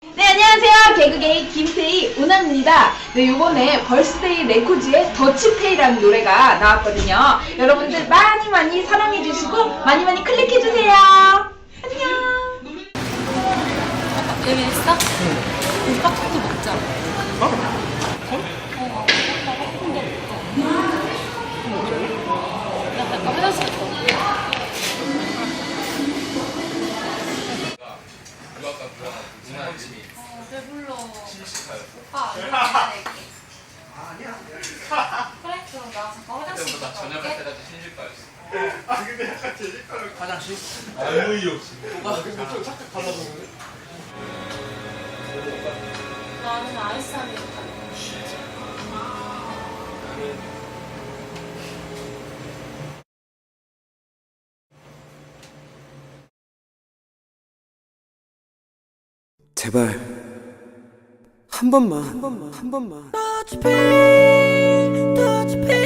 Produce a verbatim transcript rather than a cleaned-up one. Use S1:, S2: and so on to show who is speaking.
S1: 네, 안녕하세요. 개그계의 김태희 운합입니다. 네, 요번에 벌스데이 레코즈의 더치페이라는 노래가 나왔거든요. 여러분들 많이 많이 사랑해주시고 많이 많이 클릭해주세요. 안녕.
S2: 예민했어? 응. 우리 팝콘도 먹자.
S3: 어?
S2: 어? 어, 나 팝콘도 먹자. 나 잠깐 화장실 갔다 올게. 어, 배불러. 오빠 안 먹을게. 그래? 그럼 나 잠깐 화장실 갔다 올게.
S3: 아 근데 약간 제 색깔을 화장실? 아무 이유 없이 아 근데 좀 착각하려고 그러네.
S2: 나는 아이스 아메리카노.
S4: 제발 한 번만 한 번만 한 번만
S5: Touch pain, touch pain.